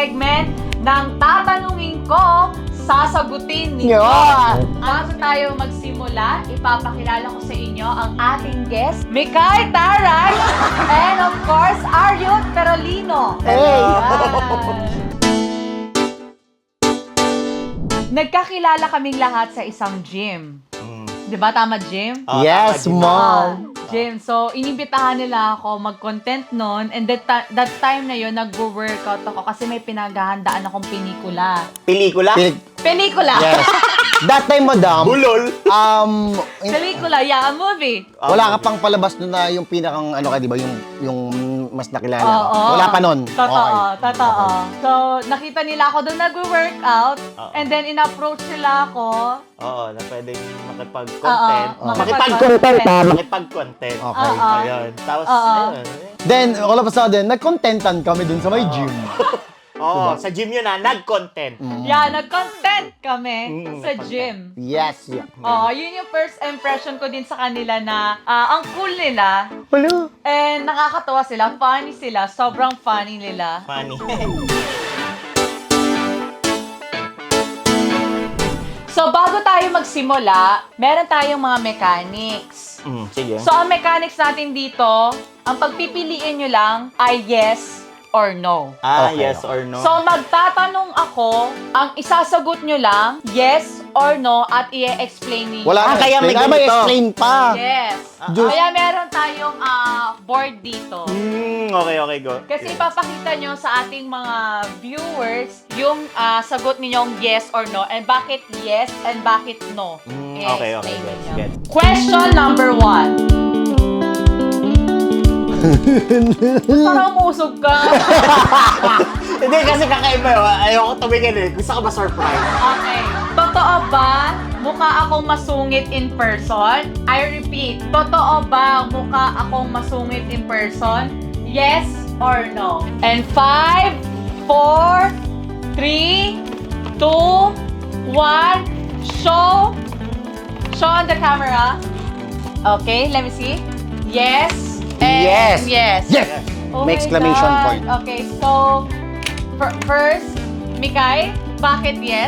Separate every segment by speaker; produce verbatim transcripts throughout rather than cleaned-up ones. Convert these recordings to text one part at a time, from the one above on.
Speaker 1: segment ng tatanungin ko, sasagutin ninyo.
Speaker 2: Yeah.
Speaker 1: Bago tayo magsimula, ipapakilala ko sa inyo ang ating guest, Mikay Taray, and of course, Aryut Perolino.
Speaker 2: Hey!
Speaker 1: Yan. Nagkakilala kaming lahat sa isang gym. Di ba? Tama, gym?
Speaker 3: Oh,
Speaker 2: Yes,
Speaker 3: tama, Jim.
Speaker 2: mom.
Speaker 1: Gym. So, inibitahan nila ako mag-content noon. And that, ta- that time na yun, nag-workout ako kasi may pinaghahandaan akong pelikula.
Speaker 3: Pelikula?
Speaker 2: Pilig-
Speaker 1: Pelikula!
Speaker 2: Yes. That time, madam,
Speaker 3: Bulol?
Speaker 2: um, in-
Speaker 1: Pelikula, yeah, a movie.
Speaker 2: wala ka pang palabas doon na yung pinakang, ano ka, di ba, yung, yung mas nakilala.
Speaker 1: Oo.
Speaker 2: ka. Wala pa nun.
Speaker 1: Totoo,
Speaker 2: Okay.
Speaker 1: totoo. So, nakita nila ako doon nag-workout.
Speaker 3: Oo.
Speaker 1: And then, in-approach nila ako.
Speaker 3: Oo, na pwedeng makipag-content.
Speaker 1: Oo,
Speaker 3: Makipag-content.
Speaker 1: makipag-content.
Speaker 3: Makipag-content.
Speaker 2: Okay.
Speaker 1: Oo.
Speaker 3: Ayun. Tapos,
Speaker 1: Oo.
Speaker 3: ayun.
Speaker 2: Then, all of a sudden, nag-contentan kami dun sa may gym.
Speaker 3: Oo, sa gym yun na, nag-content.
Speaker 2: Mm.
Speaker 1: Yeah, nag-content kami
Speaker 3: Mm,
Speaker 1: sa
Speaker 3: nag-content.
Speaker 1: gym.
Speaker 2: Yes. Yeah.
Speaker 1: Oo, yun yung first impression ko din sa kanila na ah, ang cool nila.
Speaker 2: Hello.
Speaker 1: And nakakatawa sila, funny sila, sobrang funny nila.
Speaker 3: Funny.
Speaker 1: So bago tayo magsimula, meron tayong mga mechanics.
Speaker 3: mm, sige.
Speaker 1: So ang mechanics natin dito, ang pagpipiliin nyo lang ay yes or no.
Speaker 3: ah,
Speaker 2: Okay,
Speaker 3: yes
Speaker 2: okay.
Speaker 3: or no?
Speaker 1: So magtatanong ako, ang isasagot nyo lang, yes or no, at i-explain niyo.
Speaker 2: Wala
Speaker 3: Ah,
Speaker 2: na
Speaker 3: kaya may
Speaker 2: explain. Ah, may
Speaker 3: ganito.
Speaker 2: explain pa.
Speaker 1: Yes.
Speaker 2: Diyos.
Speaker 1: Kaya meron tayong ah, board dito.
Speaker 3: Hmm, okay, okay, go.
Speaker 1: Kasi ipapakita nyo sa ating mga viewers yung ah, sagot ninyong yes or no and bakit yes and bakit no.
Speaker 3: Hmm,
Speaker 1: I-explain
Speaker 3: okay, okay, gets,
Speaker 1: ninyo.
Speaker 3: gets.
Speaker 1: Question number one. Parang umusog ka.
Speaker 3: Hindi, kasi kakaiba yun. Ayoko tumingin eh. Gusto ko ma-surprise.
Speaker 1: Okay. Totoo ba mukha akong masungit in person? I repeat, totoo ba mukha akong masungit in person? Yes or no? And five, four, three, two, one, show. Show on the camera. Okay, let me see. Yes. And
Speaker 2: Yes.
Speaker 1: Yes.
Speaker 2: Yes.
Speaker 1: Oh
Speaker 2: May
Speaker 1: my
Speaker 2: exclamation
Speaker 1: God.
Speaker 2: point.
Speaker 1: Okay, so fir- first, Mikay, bakit yes?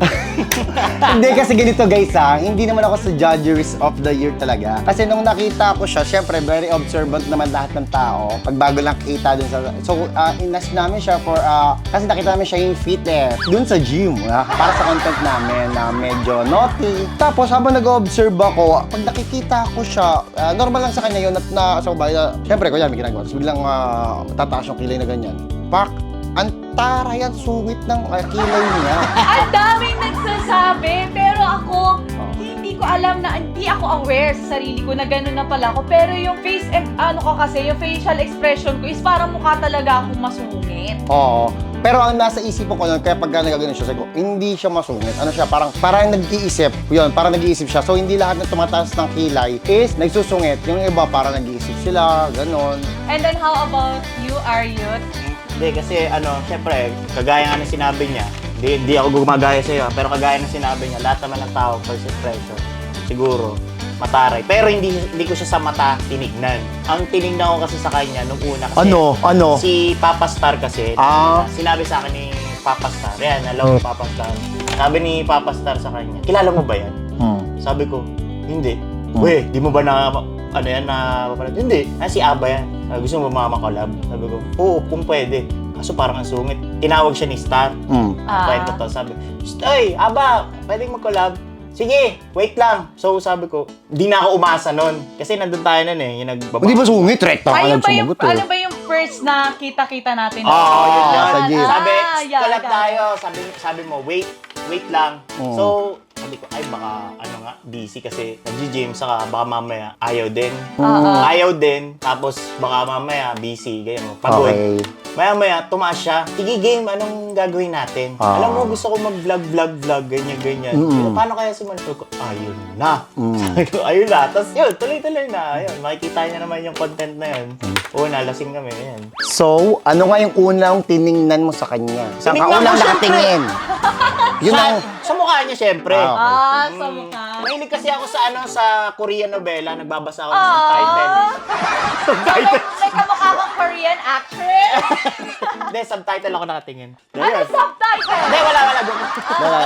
Speaker 2: Hindi kasi ganito guys ha, hindi naman ako sa judges of the year talaga. Kasi nung nakita ko siya, syempre very observant naman lahat ng tao. Pag bago lang kita dun sa... So, uh, inas namin siya for... Uh, kasi nakita namin siya yung fitness dun sa gym. Uh, para sa content namin na medyo naughty. Tapos habang nag-observe ako, pag nakikita ko siya, uh, normal lang sa kanya yun at na... So, ba, uh, syempre ko yan, may ginagawa. Tapos biglang uh, tataas yung kilay na ganyan. Pak! Ang taray at sungit ng uh, kilay niya.
Speaker 1: Ang daming nagsasabi, pero ako, hindi ko alam na, hindi ako aware sa sarili ko na gano'n na pala ako. Pero yung face, and, ano ko kasi, yung facial expression ko is parang mukha talaga akong masungit.
Speaker 2: Oo. Pero ang nasa isip ko nun, kaya pagka nagagano siya, sabi ko, hindi siya masungit. Ano siya, parang, parang nag-iisip. Yun, parang nag-iisip siya. So, hindi lahat ng tumataas ng kilay is nagsusungit. Yung iba, parang nag-iisip sila, ganon.
Speaker 1: And then how about you, Aryut?
Speaker 3: Hindi, kasi ano, syempre, kagaya nga ng sinabi niya, di, di ako gumagaya sa'yo, pero kagaya ng sinabi niya, lahat naman ng tao, first impression, siguro, mataray. Pero hindi hindi ko siya sa mata tinignan. Ang tinignan ko kasi sa kanya nung una kasi,
Speaker 2: Ano? Ano?
Speaker 3: si Papa Star kasi,
Speaker 2: Ah.
Speaker 3: sinabi sa akin ni Papa Star, yan, hello Papa Star. Sabi ni Papa Star sa kanya, kilala mo ba yan?
Speaker 2: Hmm.
Speaker 3: Sabi ko, hindi.
Speaker 2: Hmm.
Speaker 3: Weh, di mo ba na, ano yan, na, hindi. Ah, si Aba yan. Sabi, gusto mo ba mamakolab? Sabi ko, oo, kung pwede. Kaso parang ang sungit. Tinawag siya ni Star.
Speaker 2: Hmm.
Speaker 1: Ah.
Speaker 3: Kwento to, sabi, Ay, Aba, pwedeng mag-collab? Sige, wait lang. So sabi ko, di na ako umasa nun. Kasi nandun tayo nun eh, yung nagbaba.
Speaker 2: Hindi ba sungit? Rekta ka
Speaker 1: Ayun ba yung,
Speaker 2: nagsumagot eh.
Speaker 1: ano ba yung first na kita-kita natin?
Speaker 3: Oo, oh, yun
Speaker 2: Ah,
Speaker 3: yun.
Speaker 2: sa gym.
Speaker 3: Sabi,
Speaker 1: Ah, yeah,
Speaker 3: collab
Speaker 1: got it.
Speaker 3: tayo. Sabi, sabi mo, wait, wait lang.
Speaker 2: Oo.
Speaker 3: So, sabi ko, ay baka, ano nga, busy kasi nag-gym, saka baka mamaya ayaw din.
Speaker 1: Oo.
Speaker 3: Ayaw din, tapos baka mamaya busy, ganyan mo, pagod.
Speaker 2: Okay.
Speaker 3: Maya-maya, tumaas siya. Sige, game, anong gagawin natin?
Speaker 2: Ah.
Speaker 3: Alam mo, gusto ko mag-vlog, vlog, vlog, ganyan, ganyan.
Speaker 2: Mm.
Speaker 3: Paano kaya simulan ko? Ayun na.
Speaker 2: Mm.
Speaker 3: Sabi ko, ayun na. Tapos yun, tuloy-tuloy na. Ayun, makikita niya naman yung content na yun. Oo, nalasing kami. Ayan.
Speaker 2: So, ano nga yung unang tiningnan mo sa kanya? Saan ka
Speaker 3: Tiningnan
Speaker 2: unang
Speaker 3: ko, syempre.
Speaker 2: nakatingin? Yun
Speaker 3: sa,
Speaker 2: ang...
Speaker 3: sa mukha niya, syempre.
Speaker 2: Ah,
Speaker 1: Ah, sa
Speaker 3: Mm.
Speaker 1: mukha.
Speaker 3: Mahilig kasi ako sa ano sa Korean novela, nagbabasa ako ng
Speaker 1: Ah.
Speaker 3: title.
Speaker 1: So, may, may kamukha kang Korean actress?
Speaker 3: Hindi, subtitle ako nakatingin.
Speaker 1: Ano
Speaker 3: Ayun.
Speaker 1: subtitle?
Speaker 3: Hindi, wala, wala.
Speaker 2: Wala.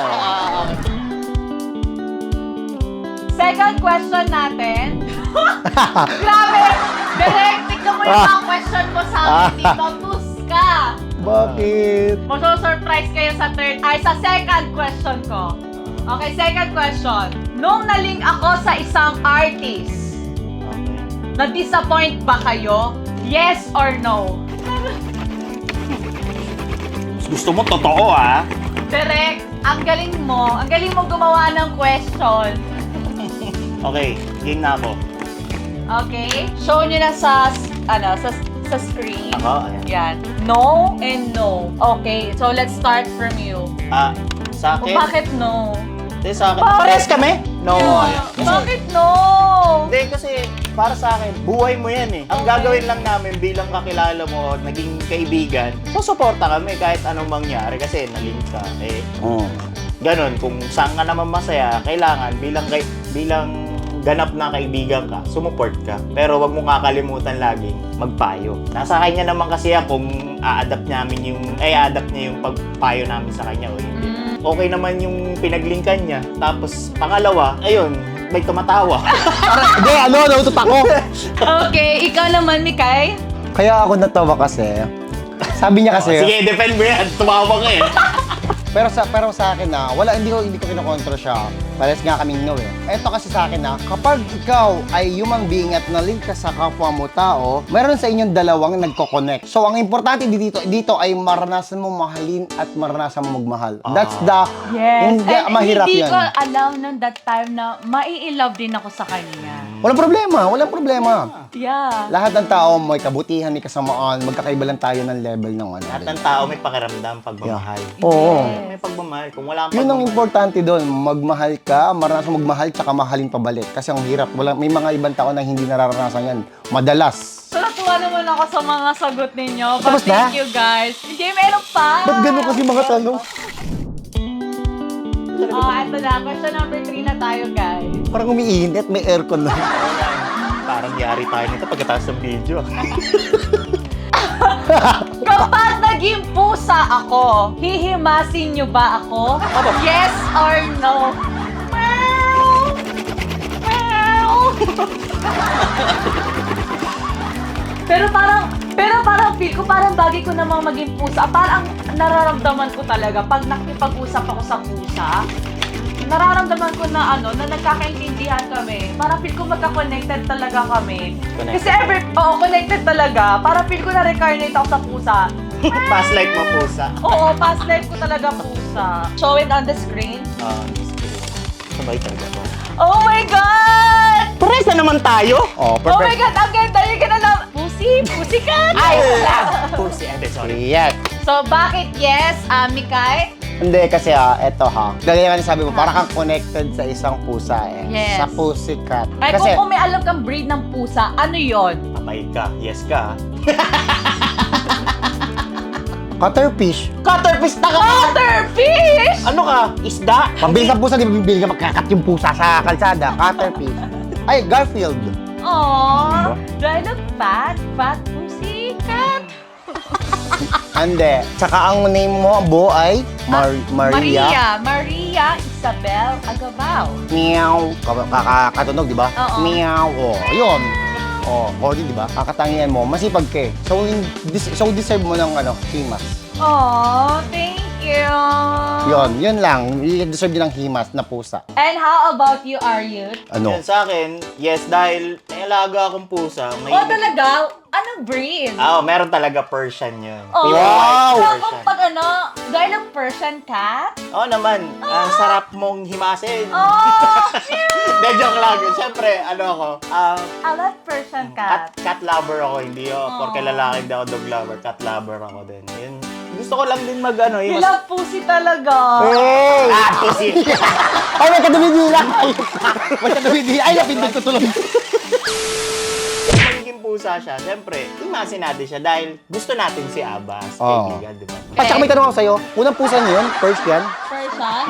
Speaker 1: Second question natin. Grabe! Direct, tignan mo yung mga question mo sa akin dito. Tus ka!
Speaker 2: Bakit?
Speaker 1: Maso-surprise kayo sa third, ay sa second question ko. Okay, second question. Nung naling ako sa isang artist,
Speaker 3: Okay.
Speaker 1: na-disappoint ba kayo? Yes or no?
Speaker 3: Gusto mo totoo, ah?
Speaker 1: Direct, ang galing mo. Ang galing mo gumawa ng question.
Speaker 3: Okay, game na ako.
Speaker 1: Okay? Show nyo na sa, ano, sa, sa screen.
Speaker 3: Ako, ayan.
Speaker 1: Yan. No and no. Okay, so let's start from you.
Speaker 3: Ah, sa
Speaker 1: O,
Speaker 3: akin?
Speaker 1: bakit no?
Speaker 3: Hindi, sa akin.
Speaker 1: Bakit?
Speaker 3: Pares kami? No.
Speaker 1: Yeah.
Speaker 3: Kasi-
Speaker 1: Bakit no?
Speaker 3: Hindi, kasi para sa akin, buhay mo yan eh. Ang
Speaker 1: Okay.
Speaker 3: gagawin lang namin bilang kakilala mo, naging kaibigan, susuporta kami kahit anong mangyari kasi nalink ka. Eh,
Speaker 2: Mm.
Speaker 3: ganun, kung saan ka naman masaya, kailangan bilang kay, bilang ganap na kaibigan ka, sumuport ka. Pero wag mo kakalimutan laging magpayo. Nasa kanya naman kasi yan kung a-adapt namin yung, ay a-adapt niya yung pagpayo namin sa kanya o hindi.
Speaker 1: Mm.
Speaker 3: Okay naman yung pinaglingkan niya. Tapos, pangalawa, ayun, may tumatawa.
Speaker 2: Hindi, ano, nautot ako.
Speaker 1: Okay, ikaw naman, Mikay.
Speaker 2: Kaya ako natawa kasi. Sabi niya kasi,
Speaker 3: Oh, sige, defend mo yan. Tumawa ka eh.
Speaker 2: pero sa pero sa akin na wala hindi ko hindi ko kinokontra siya. Pares nga kaming no eh. Ito kasi sa akin na kapag ikaw ay human being at nalink ka sa kapwa mo tao, meron sa inyong dalawang nagko-connect. So ang importante dito dito ay maranasan mo mahalin at maranasan mo magmahal. That's the
Speaker 1: Yes.
Speaker 2: hindi
Speaker 1: And
Speaker 2: mahirap
Speaker 1: hindi
Speaker 2: yan.
Speaker 1: ko alam nung that time na mai-love din ako sa kanya.
Speaker 2: Walang problema, walang problema.
Speaker 1: Yeah.
Speaker 2: Lahat ng tao may kabutihan, may kasamaan, magkakaiba lang tayo ng level ng ano.
Speaker 3: Lahat ng tao may pakiramdam, pagmamahal.
Speaker 2: Oo.
Speaker 3: May pagmamahal. Kung wala kang
Speaker 2: Yun ang
Speaker 3: pagmamahal,
Speaker 2: importante doon, magmahal ka, maranasan magmahal, tsaka mahalin pabalik. Kasi ang hirap, wala, may mga ibang tao na hindi nararanasan yan. Madalas.
Speaker 1: So, natuwa naman ako sa mga sagot ninyo. But
Speaker 2: Tapos na?
Speaker 1: thank you, guys. Hindi, meron pa.
Speaker 2: Ba't ganun kasi mga tanong?
Speaker 1: Oh, eto na. Question number three na tayo, guys.
Speaker 2: Parang umiinit, may aircon na.
Speaker 3: parang yari tayo nito pagkatapos ng video.
Speaker 1: Kapag naging pusa ako, hihimasin nyo ba ako? Yes or no? Meow! Meow! Pero parang, pero parang feel ko, parang bagay ko namang maging pusa. Parang nararamdaman ko talaga, pag nakipag-usap ako sa pusa, nararamdaman ko na ano, na nagkakaintindihan kami. Parang feel ko magka-connected talaga kami.
Speaker 3: Connected.
Speaker 1: Kasi ever, oo, connected talaga. Parang feel ko na-recarnate ako sa pusa.
Speaker 3: Past life mo pusa.
Speaker 1: Oo, past life ko talaga pusa. Show it on the screen.
Speaker 3: Ah, sabay talaga to.
Speaker 1: Oh my God!
Speaker 3: Pares na naman tayo!
Speaker 2: Oh,
Speaker 1: Oh my
Speaker 2: perfect.
Speaker 1: God, ang ganda yung ganda Pussy, pussy cat!
Speaker 3: I love pussy. Hindi, sorry.
Speaker 2: Yes.
Speaker 1: So, bakit yes, uh, Mikay?
Speaker 2: Hindi kasi ah, eto ha. Gaya nga sabi mo, parang kang connected sa isang pusa eh.
Speaker 1: Yes.
Speaker 2: Sa pussycat.
Speaker 1: Ay,
Speaker 2: Kasi,
Speaker 1: kung, kung may alam kang breed ng pusa, ano yon?
Speaker 3: Patay ka. Yes ka.
Speaker 2: cuttlefish.
Speaker 3: Cutterfish na ka!
Speaker 1: Cutterfish!
Speaker 3: Ano ka? Isda?
Speaker 2: Pambili sa pusa, di ba bibili ka magkakat yung pusa sa kalsada? Cuttlefish. Ay, Garfield.
Speaker 1: Aww, do I look fat? Fat pussy cat?
Speaker 2: Ande. Tsaka ang name mo, Bo, ay Mar- Maria.
Speaker 1: Maria. Maria Isabel Agabao.
Speaker 2: Meow. Kakatunog, di ba?
Speaker 1: Oo.
Speaker 2: Meow. Oh, yun. Oh, Cody, di ba? Kakatangian mo, masipag ka eh. So, in- dis- so deserve mo ng ano, himas.
Speaker 1: Aww, thank you.
Speaker 2: Yun, yun lang. I-deserve yun ng himas na pusa.
Speaker 1: And how about you, Aryut?
Speaker 2: Ano?
Speaker 3: Yan, sa akin, yes, dahil may alaga akong pusa. May
Speaker 1: Oh, talaga? Anong breed?
Speaker 3: Ah, oh, meron talaga Persian yun.
Speaker 1: Oh,
Speaker 3: Pure
Speaker 2: Wow!
Speaker 3: white
Speaker 1: So,
Speaker 3: Persian.
Speaker 1: kung pag ano, dahil ng Persian cat?
Speaker 3: Oo naman, ang sarap mong himasin.
Speaker 1: Oh,
Speaker 3: Hindi, joke lang. Siyempre, ano ako, ah,
Speaker 1: I love Persian
Speaker 3: cat,
Speaker 1: cat.
Speaker 3: cat lover ako, hindi ako.
Speaker 1: Aw.
Speaker 3: Porke lalaki, hindi ako dog lover. Cat lover ako din. Yun. Gusto ko lang din mag, ano,
Speaker 1: You
Speaker 3: yung
Speaker 1: love pussy talaga.
Speaker 2: Hey!
Speaker 3: Ah, pussy!
Speaker 2: Ay, may kadumidila! Ay, may kadumidila! Ay, napindot ko tuloy!
Speaker 3: Kung magiging pusa siya, siyempre, imasin natin siya dahil gusto natin si Aba as
Speaker 2: Oo.
Speaker 3: kaibigan, di ba?
Speaker 2: At saka may tanong ako sa'yo, unang pusa niyo yun? First yan?
Speaker 1: Persian?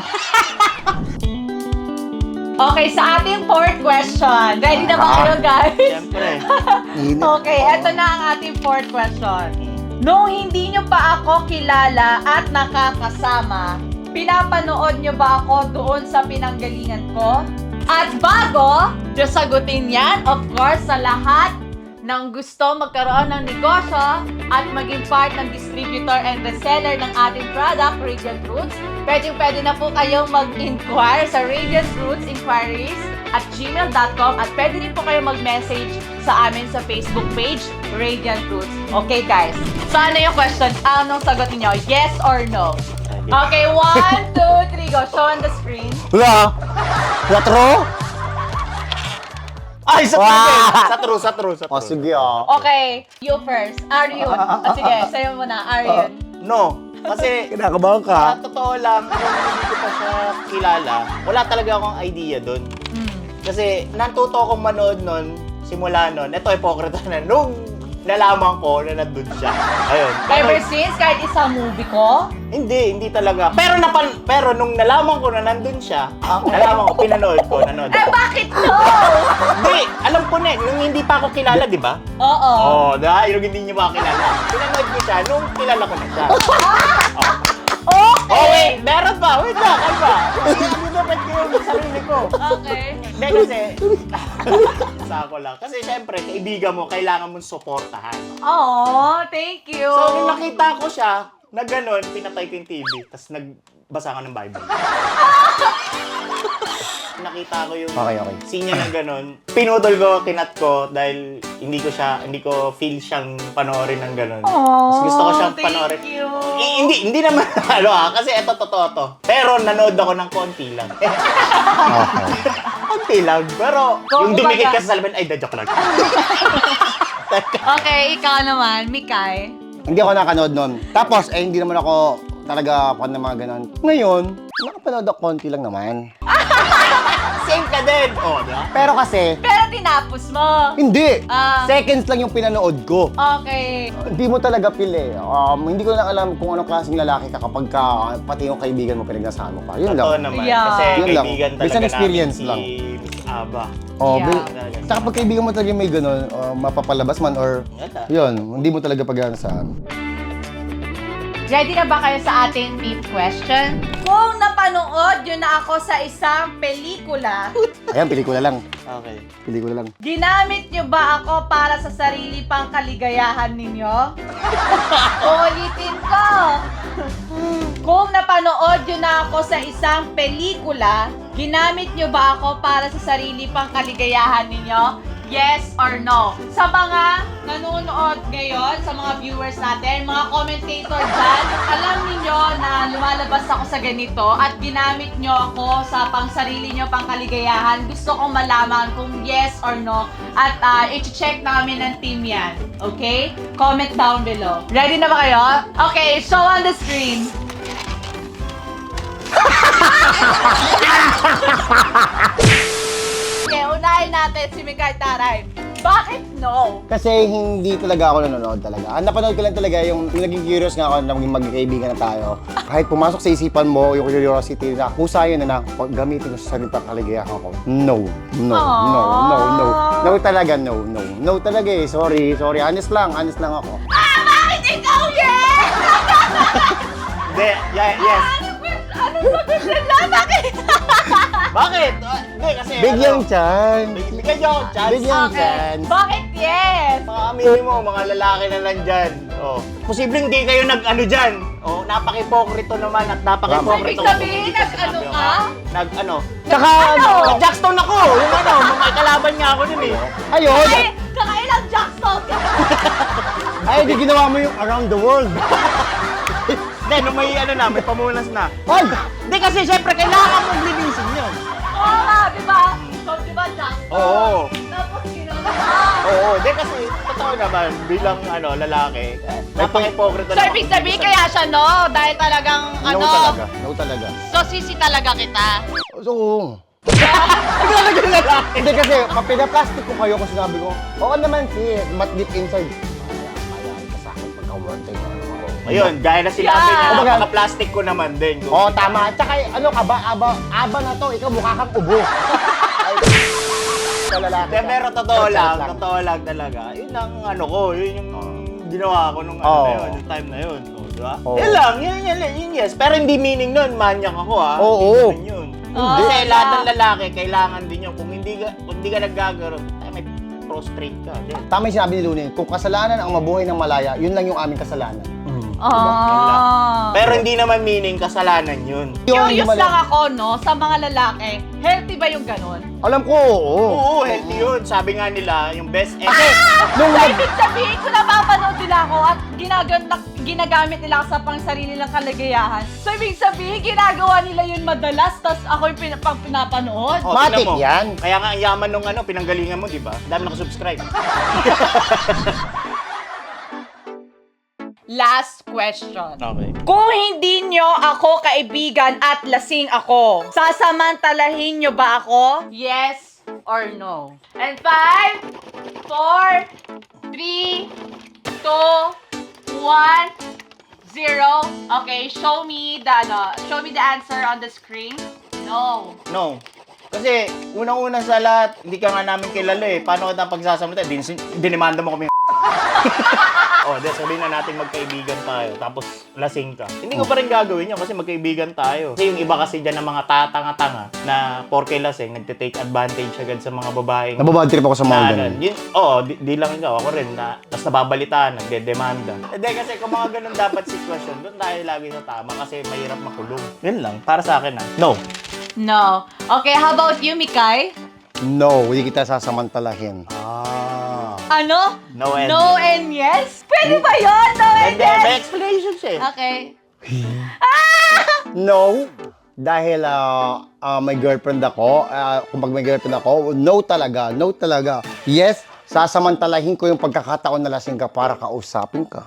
Speaker 1: Okay, sa ating fourth question. Ready na ba kayo, guys?
Speaker 3: Siyempre.
Speaker 2: Init.
Speaker 1: Okay, eto na ang ating fourth question. Nung hindi nyo pa ako kilala at nakakasama, pinapanood nyo ba ako doon sa pinanggalingan ko? At bago nyo sagutin yan, of course, sa lahat ng gusto magkaroon ng negosyo at maging part ng distributor and reseller ng ating product, Radiant Roots, pwedeng pwede na po kayong mag-inquire sa Radiant Roots Inquiries at gmail dot com at pwede rin po kayong mag-message sa amin sa Facebook page, Radiant Roots. Okay, guys? So, ano yung question? Anong sagot niyo? Yes or no? Okay, one, two, three, go. Show on the screen.
Speaker 2: Wala. Wala true?
Speaker 3: Ay, sa
Speaker 2: Wow!
Speaker 3: true, sa true, sa true, sa true.
Speaker 2: O, sige ah.
Speaker 1: Okay, you first. Aryun. Ah, sige, sa'yo muna. Aryun.
Speaker 3: No, kasi
Speaker 2: Kinakabahan ka.
Speaker 3: sa totoo lang, nung hindi ko pa siya kilala, wala talaga akong idea doon.
Speaker 1: Mm.
Speaker 3: Kasi natuto akong manood nun, simula nun, ito hypocrite na, nung nalaman ko na nandun siya. Ayun.
Speaker 1: Ever
Speaker 3: Pero-
Speaker 1: since, kahit isang movie ko?
Speaker 3: Hindi, hindi talaga. Pero napan, pero nung nalaman ko na nandun siya, nalaman ko, pinanood ko, nanood
Speaker 1: Eh,
Speaker 3: ako.
Speaker 1: bakit no?
Speaker 3: Hindi, alam ko na, eh, nung hindi pa ako kilala, di ba?
Speaker 1: Oo.
Speaker 3: Oo, oh, dahil yung hindi niyo pa kilala. Pinanood ko siya nung kilala ko na siya. Oh.
Speaker 1: Okay.
Speaker 3: Oh, wait, meron pa. Wait lang, ano ba? Hindi dapat ko yung sarili ko.
Speaker 1: Okay.
Speaker 3: Hindi kasi, sa ako lang. Kasi syempre, kaibigan mo, kailangan mong suportahan.
Speaker 1: Oh, thank you.
Speaker 3: So, nung nakita ko siya, na gano'n, pinatay ko yung T V, tapos nagbasa ka ng Bible. Nakita ko yung
Speaker 2: Okay, okay.
Speaker 3: scene niya ng gano'n. Pinudol ko, kinat ko, dahil hindi ko siya, hindi ko feel siyang panoorin ng gano'n.
Speaker 1: Oh,
Speaker 3: Mas gusto ko siyang
Speaker 1: thank
Speaker 3: panoorin.
Speaker 1: you.
Speaker 3: I- hindi, hindi naman, ano ah, kasi eto totoo to. Pero nanood ako ng konti lang.
Speaker 2: Okay.
Speaker 3: Konti lang. Pero
Speaker 1: Kung
Speaker 3: yung dumikit
Speaker 1: kumbaga-
Speaker 3: ka sa salamin, ay, da, joke lang.
Speaker 1: Okay, ikaw naman, Mikay.
Speaker 2: Hindi ako nakanood nun. Tapos, eh, hindi naman ako talaga fan ng mga ganon. Ngayon, nakapanood ako konti lang naman.
Speaker 3: Same ka din. Oh, di ba?
Speaker 2: Pero kasi,
Speaker 1: Pero tinapos mo.
Speaker 2: hindi.
Speaker 1: Ah.
Speaker 2: Seconds lang yung pinanood ko.
Speaker 1: Okay.
Speaker 2: Hindi mo talaga feel eh. Um, hindi ko lang alam kung anong klaseng lalaki ka kapag ka, pati yung kaibigan mo pinagnasama pa. Yun
Speaker 3: Totoo
Speaker 2: lang.
Speaker 3: naman.
Speaker 1: Yeah.
Speaker 3: Kasi
Speaker 2: Yun lang.
Speaker 3: kaibigan talaga
Speaker 2: Based on experience
Speaker 3: namin
Speaker 2: lang.
Speaker 3: si Miss Aba.
Speaker 2: Oh,
Speaker 1: Yeah.
Speaker 2: bil- Tsaka pag kaibigan mo talaga may gano'n, uh, mapapalabas man or
Speaker 3: Yata.
Speaker 2: yun, hindi mo talaga pag-aasahan.
Speaker 1: Ready na ba kayo sa ating fifth question? Kung napanood yun na ako sa isang pelikula,
Speaker 2: Ayan, pelikula lang.
Speaker 3: Okay.
Speaker 2: Pelikula lang.
Speaker 1: ginamit nyo ba ako para sa sarili pang kaligayahan ninyo? Ulitin ko! Kung napanood yun na ako sa isang pelikula, ginamit nyo ba ako para sa sarili pang kaligayahan ninyo? Yes or no? Sa mga nanonood ngayon, sa mga viewers natin, mga commentator dyan, alam niyo na lumalabas ako sa ganito at ginamit nyo ako sa pang sarili nyo, pang kaligayahan. Gusto kong malaman kung yes or no at uh, i-check namin ng team yan. Okay? Comment down below. Ready na ba kayo? Okay, show on the screen. Okay, unahin natin si Mikay Taray. Bakit no?
Speaker 2: Kasi hindi talaga ako nanonood talaga. Ang napanood ko lang talaga yung, yung naging curious nga ako na maging magkaibigan na tayo. Kahit pumasok sa isipan mo yung curiosity na kusayan na na pag gamitin ko sa sarili pang kaligayahan ko. No, no, no, no, no. No talaga, no, no. No talaga eh. Sorry, sorry. Honest lang, honest lang ako.
Speaker 1: Ah, bakit ikaw yes?
Speaker 3: Hindi, yeah, yes.
Speaker 1: Ano ba? Ano sagot nila? Bakit?
Speaker 3: Bakit? Ah, Hindi, kasi
Speaker 2: Bigyan
Speaker 3: ano,
Speaker 2: chan.
Speaker 3: big- Bigyan niyo ako chance.
Speaker 2: Bigyan
Speaker 1: Okay.
Speaker 2: chance.
Speaker 1: Bakit yes?
Speaker 3: Mga aminin mo, mga lalaki na lang dyan. Oh. Posibleng hindi kayo nag-ano dyan. Oh, napaka-hipokrito naman at napaka-hipokrito.
Speaker 1: Ibig sabihin, nag-ano ka?
Speaker 3: Nag-ano?
Speaker 2: Tsaka
Speaker 1: Ano?
Speaker 2: ano?
Speaker 3: Nag-Jackstone ako! Yung ano, mga kalaban niya ako nun eh.
Speaker 2: Ayun!
Speaker 1: Ay, kakailang Jackson ka.
Speaker 2: Ay, di ginawa mo yung around the world.
Speaker 3: Hindi, nung may ano na, may pamunas na.
Speaker 2: Ay!
Speaker 3: Hindi kasi syempre kailangan mong linisin yun.
Speaker 1: Oo nga, di ba? So, di ba Jackson?
Speaker 3: Oo.
Speaker 1: Tapos ginawa.
Speaker 3: Oo, hindi kasi totoo naman bilang ano lalaki, napaka-hipokrito
Speaker 1: So, ibig sabihin kaya siya no? Dahil talagang
Speaker 2: No
Speaker 1: ano?
Speaker 2: talaga, no talaga.
Speaker 1: So, sisi talaga kita.
Speaker 2: So,
Speaker 3: Talaga lalaki.
Speaker 2: hindi kasi, pag pinaplastic ko kayo kung sinabi ko, oo naman si, mat deep inside. Kaya, kaya ka sa akin pagka-one time.
Speaker 3: Ayun, gaya na sinabi
Speaker 1: Yeah.
Speaker 3: niya,
Speaker 2: Kumbaga-
Speaker 3: napaka-plastic ko naman din.
Speaker 2: Oo, tama. Tsaka, ano ka ba, aba, aba na to, ikaw mukha kang ubo. Ay, sa lalaki
Speaker 3: Hindi,
Speaker 2: ka.
Speaker 3: pero totoo
Speaker 2: Charot
Speaker 3: lang,
Speaker 2: lang.
Speaker 3: totoo lang talaga. Yun ang ano ko, yun yung ginawa ko nung ano
Speaker 2: Oo.
Speaker 3: na yun, yung time na yun. O, di ba?
Speaker 2: Oo.
Speaker 3: Yan lang, yun, yun, yun, yun, yes. Pero hindi meaning nun, manyak ako ha.
Speaker 2: Oo.
Speaker 3: Hindi yun.
Speaker 1: Oo.
Speaker 3: Kasi
Speaker 1: Ah.
Speaker 3: lahat ng lalaki, kailangan din yun. Kung hindi ka, kung hindi ka naggagaro, ay may prostrate ka. Din.
Speaker 2: Tama yung sinabi ni Lunin, kung kasalanan ang mabuhay ng malaya, yun lang yung aming kasalanan.
Speaker 1: Ah.
Speaker 3: Pero hindi naman meaning kasalanan yun.
Speaker 1: Curious
Speaker 2: Yung mali-
Speaker 1: lang ako, no, sa mga lalaki, healthy ba yung ganun?
Speaker 2: Alam ko, oo.
Speaker 3: Oo, healthy yun. Sabi nga nila, yung best
Speaker 2: Kasi,
Speaker 3: ex.
Speaker 2: nung
Speaker 1: So,
Speaker 2: nag...
Speaker 1: ibig sabihin, kung napapanood nila ako at ginagamit, ginagamit nila ako sa pang sarili nilang kalagayahan, so ibig sabihin, ginagawa nila yun madalas, tas ako yung pin- pang pinapanood?
Speaker 3: Oh,
Speaker 2: Matik
Speaker 3: tingnan mo.
Speaker 2: yan.
Speaker 3: Kaya nga, ang yaman nung ano, pinanggalingan mo, di ba? Dami nakasubscribe.
Speaker 1: Last question.
Speaker 3: Okay.
Speaker 1: Kung hindi nyo ako kaibigan at lasing ako, sasamantalahin nyo ba ako? Yes or no? And five, four, three, two, one, zero. Okay, show me the ano, show me the answer on the screen. No.
Speaker 3: No. Kasi, unang-una sa lahat, hindi ka nga namin kilala eh. Paano ka pagsasamita? Din dinimanda mo kami. Oh, di, sabihin na natin magkaibigan tayo, tapos lasing ka. Hindi ko pa rin gagawin yun kasi magkaibigan tayo. Kasi yung iba kasi dyan ng mga tatanga-tanga na porke lasing, nagte-take advantage agad sa mga babaeng
Speaker 2: Nababad trip ako sa mga
Speaker 3: na,
Speaker 2: ganun.
Speaker 3: yun, oo, di, di lang ikaw, ako rin, na, tapos nababalitaan, nagde-demanda. Hindi kasi kung mga ganun dapat sitwasyon, doon tayo lagi sa tama kasi mahirap makulong. Yun lang, para sa akin ah. No.
Speaker 1: No. Okay, how about you, Mikay?
Speaker 2: No, hindi kita sasamantalahin.
Speaker 3: Ah.
Speaker 1: Ano?
Speaker 3: No and
Speaker 1: No and yes? Pwede ba yun? No and
Speaker 3: Hindi, may
Speaker 1: yes?
Speaker 3: explanation siya eh.
Speaker 1: Okay.
Speaker 2: No, dahil ah, ah, may girlfriend ako, ah, kung pag may girlfriend ako, no talaga, no talaga. Yes, sasamantalahin ko yung pagkakataon na lasing ka para kausapin ka.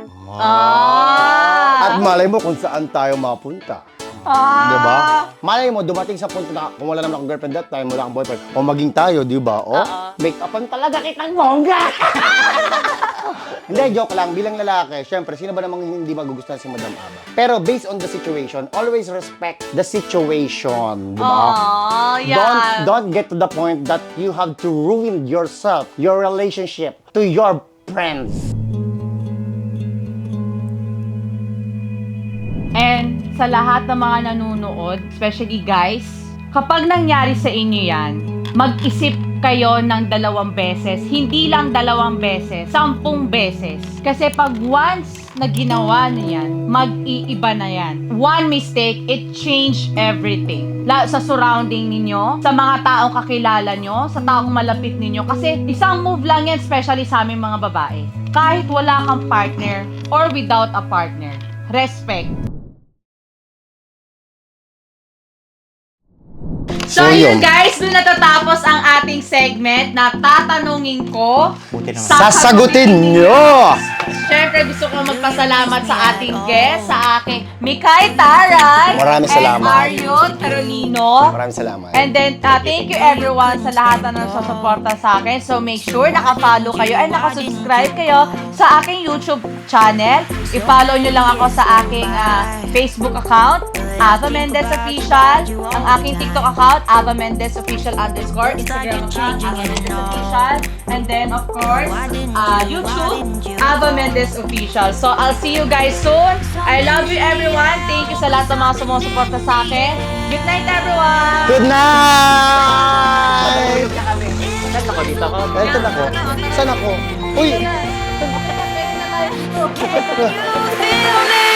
Speaker 1: Ah.
Speaker 2: At malay mo kung saan tayo mapunta.
Speaker 1: Ah.
Speaker 2: Di ba? Malay mo, dumating sa punto na kung wala naman akong girlfriend that time, wala akong boyfriend, o maging tayo, di ba? O,
Speaker 1: Oo.
Speaker 2: make-upan talaga kitang bongga! Hindi, joke lang. Bilang lalaki, syempre, sino ba namang hindi magugustuhan si Madam Aba? Pero based on the situation, always respect the situation, di ba?
Speaker 1: Oh, yeah.
Speaker 2: Don't, don't get to the point that you have to ruin yourself, your relationship, to your friends.
Speaker 1: And sa lahat ng mga nanonood, especially guys, kapag nangyari sa inyo yan, mag-isip kayo ng dalawang beses. Hindi lang dalawang beses, sampung beses. Kasi pag once na ginawa niya yan, mag-iiba na yan. One mistake, it changed everything. La sa surrounding ninyo, sa mga taong kakilala nyo, sa taong malapit ninyo. Kasi isang move lang yan, especially sa aming mga babae. Kahit wala kang partner or without a partner. Respect. So,
Speaker 2: So,
Speaker 1: yun
Speaker 2: yun.
Speaker 1: guys, doon natatapos ang ating segment na tatanungin ko.
Speaker 3: Buti naman.
Speaker 2: Sasagutin nyo!
Speaker 1: Siyempre, gusto ko magpasalamat sa ating guest, sa aking Mikay Taray.
Speaker 2: Maraming salamat.
Speaker 1: And Mario Carolino.
Speaker 2: Maraming salamat.
Speaker 1: And then, uh, thank you everyone sa lahat na nasusuporta sa akin. So, make sure naka-follow kayo and naka-subscribe kayo sa aking YouTube channel. I-follow nyo lang ako sa aking uh, Facebook account, Ava Mendez Official. Ang aking TikTok account, Ava Mendez Official underscore. Instagram account, Ava Mendez Official. And then, of course, uh, YouTube, Ava Mendez Official. So, I'll see you guys soon. I love you everyone. Thank you sa lahat ng mga sumusuporta sa akin. Good night, everyone!
Speaker 2: Good night!
Speaker 3: Saan ako dito ako?
Speaker 2: Ito na ko. Saan ako? Uy!
Speaker 1: Pwede na tayo dito.
Speaker 4: Feel me